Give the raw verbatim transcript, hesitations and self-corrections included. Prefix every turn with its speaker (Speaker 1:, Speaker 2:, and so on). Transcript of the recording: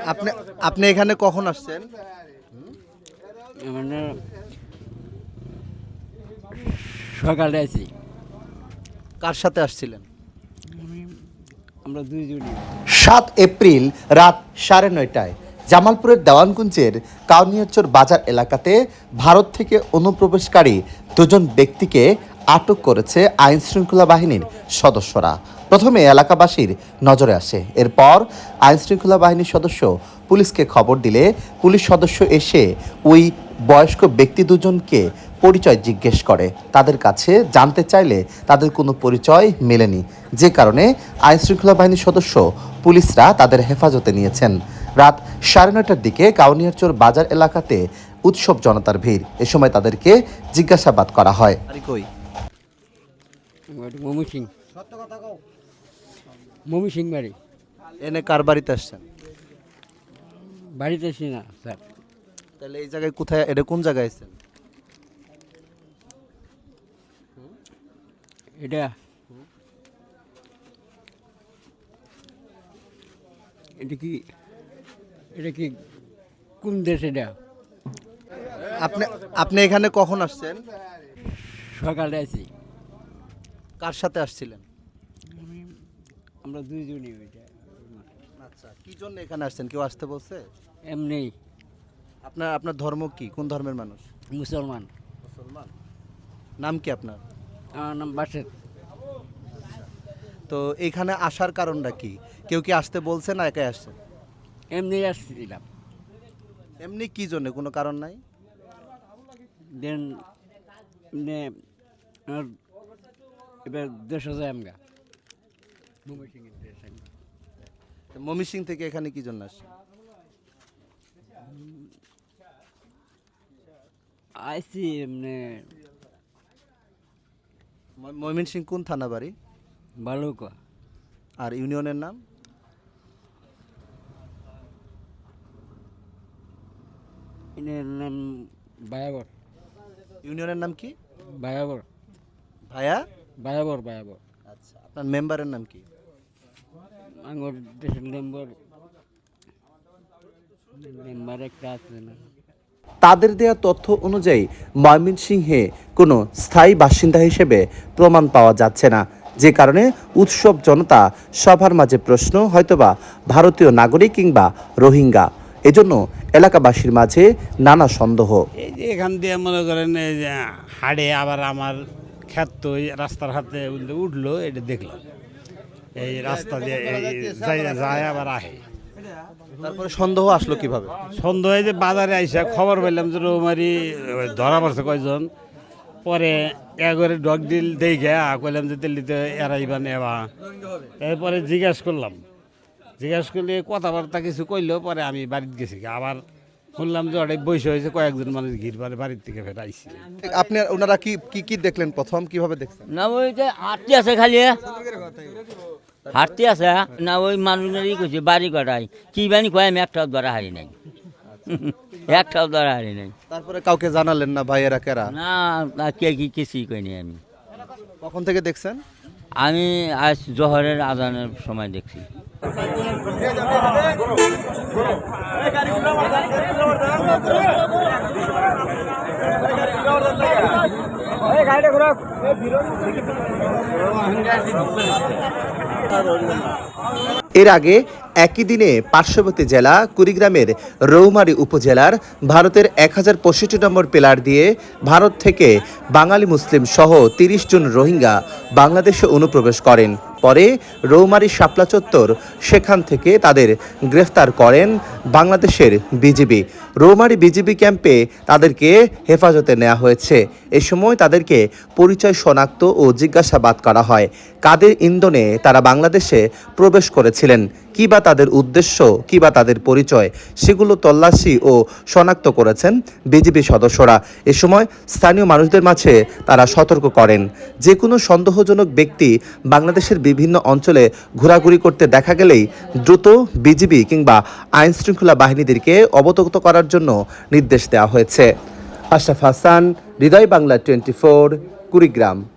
Speaker 1: আপনি আপনি এখানে কখন আসছেন?
Speaker 2: মানে সকালে আছি।
Speaker 1: কার সাথে আসছিলেন?
Speaker 2: আমরা দুইজনই।
Speaker 3: সাত এপ্রিল রাত সাড়ে নয়টায় জামালপুরের দেওয়ানগঞ্জের কাউনিয়াচর বাজার এলাকাতে ভারত থেকে অনুপ্রবেশকারী দুজন ব্যক্তিকে আটক করেছে আইন শৃঙ্খলা বাহিনীর সদস্যরা। প্রথমে এলাকাবাসীর নজরে আসে, এরপর আইন শৃঙ্খলা বাহিনীর সদস্য পুলিশকে খবর দিলে পুলিশ সদস্য এসে ওই বয়স্ক ব্যক্তি দুজনকে পরিচয় জিজ্ঞেস করে। তাদের কাছে জানতে চাইলে তাদের কোনো পরিচয় মেলেনি, যে কারণে আইন শৃঙ্খলা বাহিনীর সদস্য পুলিশরা তাদের হেফাজতে নিয়েছেন। রাত সাড়ে নয়টার দিকে কাউনিয়ারচর বাজার এলাকাতে উৎসব জনতার ভিড়। এ সময় তাদেরকে জিজ্ঞাসাবাদ করা হয়।
Speaker 1: আরে কই?
Speaker 2: মমি সিং। মমি সিং বাড়ি।
Speaker 1: এনে কার বাড়িতে আসছেন?
Speaker 2: বাড়িতে আছি না স্যার।
Speaker 1: তাহলে এই জায়গায় কোথায়, এটা কোন জায়গায় আছেন?
Speaker 2: এটা এটা কি এটা কি কোন দেশ? এটা
Speaker 1: আপনি আপনি এখানে কখন আসছেন?
Speaker 2: সকালে আছি।
Speaker 1: কার সাথে আসছিলেন?
Speaker 2: আমরা দুইজনই। ওইটা
Speaker 1: আচ্ছা, কি জন্য এখানে আসছেন? কেউ আসতে বলছে?
Speaker 2: এমনি
Speaker 1: আপনার আপনার ধর্ম কি? কোন ধর্মের মানুষ?
Speaker 2: মুসলমান।
Speaker 1: মুসলমান। নাম কি আপনার?
Speaker 2: আমার নাম বাসের।
Speaker 1: তো এখানে আসার কারণটা কি? কেউ কি আসতে বলছে না একাই আসছেন?
Speaker 2: এমনি আসছিলাম।
Speaker 1: এমনি কি জন্য, কোনো কারণ নাই?
Speaker 2: দেন নে আর এবার দেশ যায় আমগা মুম্বাই সিং এর দেশ আমি।
Speaker 1: তো ময়মনসিংহ থেকে এখানে কি জন্য আসছেন?
Speaker 2: আইসি এমনি
Speaker 1: ম- ময়মনসিংহ কোন থানা বাড়ি?
Speaker 2: বালুকা।
Speaker 1: আর ইউনিয়নের নাম?
Speaker 2: এর নাম বায়াবর।
Speaker 1: ইউনিয়নের নাম কি?
Speaker 2: বায়াবর
Speaker 1: ভায়া?
Speaker 2: বায়াবর বায়াবর।
Speaker 1: আচ্ছা, আপনার মেম্বারের নাম কি?
Speaker 2: আঙ্গর দেশের মেম্বার মেম্বার একটা আছে না।
Speaker 3: তাদের দেয়া তথ্য অনুযায়ী ময়মনসিংহে কোনো স্থায়ী বাসিন্দা হিসেবে প্রমাণ পাওয়া যাচ্ছে না, যে কারণে উৎসব জনতা সবার মাঝে প্রশ্ন, হয়তোবা ভারতীয় নাগরিক কিংবা রোহিঙ্গা। এজন্য এলাকাবাসীর মাঝে নানা সন্দেহ।
Speaker 4: এই যে এখান দিয়ে মনে করেন এই যে হাড়ে আবার আমার ক্ষেত তো এই রাস্তার হাতে উঠলো, এটা দেখলাম এই রাস্তা দিয়ে এই যাই যায় আবার আহে।
Speaker 1: তারপরে সন্দেহ আসলো কিভাবে?
Speaker 4: সন্ধ্যায় যে বাজারে আইসা খবর পেলাম যে রৌমারি ধরা পড়ছে কয়জন, পরে একবারে ডগ ডিল দেই গে কইলাম যে দিল্লিতে এরাইবা নেবা। এরপরে জিজ্ঞাসা করলাম, জিজ্ঞাসা করলে কথাবার্তা কিছু কইলেও পরে আমি বাড়িতে গেছি। আবার শুনলাম যে অনেক বৈশ হয়েছে, কয়েকজন মানুষ ঘির বাড়ি বাড়ির থেকে ফের আইসি।
Speaker 1: আপনি ওনারা কি কি কি দেখলেন প্রথম, কিভাবে দেখছেন?
Speaker 5: না ওই যে হাঁটতে আছে খালি হাঁটতে আছে না, ওই মানুষেরই কইছে বাড়ি কটাই কি বানি কয়, আমি একটাও ধরা হারি নাই একটাও ধরা হারি নাই।
Speaker 1: তারপরে কাউকে জানালেন না ভাইয়েরা কেরা?
Speaker 5: না না, কে কি কিছুই কইনি আমি।
Speaker 1: কখন থেকে দেখছেন?
Speaker 5: আমি আজ জোহরের আজানের সময় দেখছি।
Speaker 3: এর আগে একই দিনে পার্শ্ববর্তী জেলা কুড়িগ্রামের রৌমারী উপজেলার ভারতের এক হাজার পঁয়ষট্টি নম্বর পিলার দিয়ে ভারত থেকে বাঙালি মুসলিম সহ তিরিশ জন রোহিঙ্গা বাংলাদেশে অনুপ্রবেশ করেন। পরে রৌমারী শাপলা চত্বর, সেখান থেকে তাদের গ্রেফতার করেন বাংলাদেশের বিজিবি। রৌমারী বিজিবি ক্যাম্পে তাদেরকে হেফাজতে নেওয়া হয়েছে। এ সময় তাদেরকে পরিচয় শনাক্ত ও জিজ্ঞাসাবাদ করা হয়। কাদের ইন্ধনে তারা বাংলাদেশে প্রবেশ করেছিলেন, কী বা তাদের উদ্দেশ্য, কী বা তাদের পরিচয়, সেগুলো তল্লাশি ও শনাক্ত করেছেন বিজিবি সদস্যরা। এ সময় স্থানীয় মানুষদের মাঝে তারা সতর্ক করেন, যে কোনো সন্দেহজনক ব্যক্তি বাংলাদেশের বিভিন্ন অঞ্চলে ঘোরাঘুরি করতে দেখা গেলেই দ্রুত বিজিবি কিংবা আইন শৃঙ্খলা বাহিনীদেরকে অবগত করার জন্য নির্দেশ দেওয়া হয়েছে। Ashraf Hasan, Hridoy Bangla twenty four, Kurigram.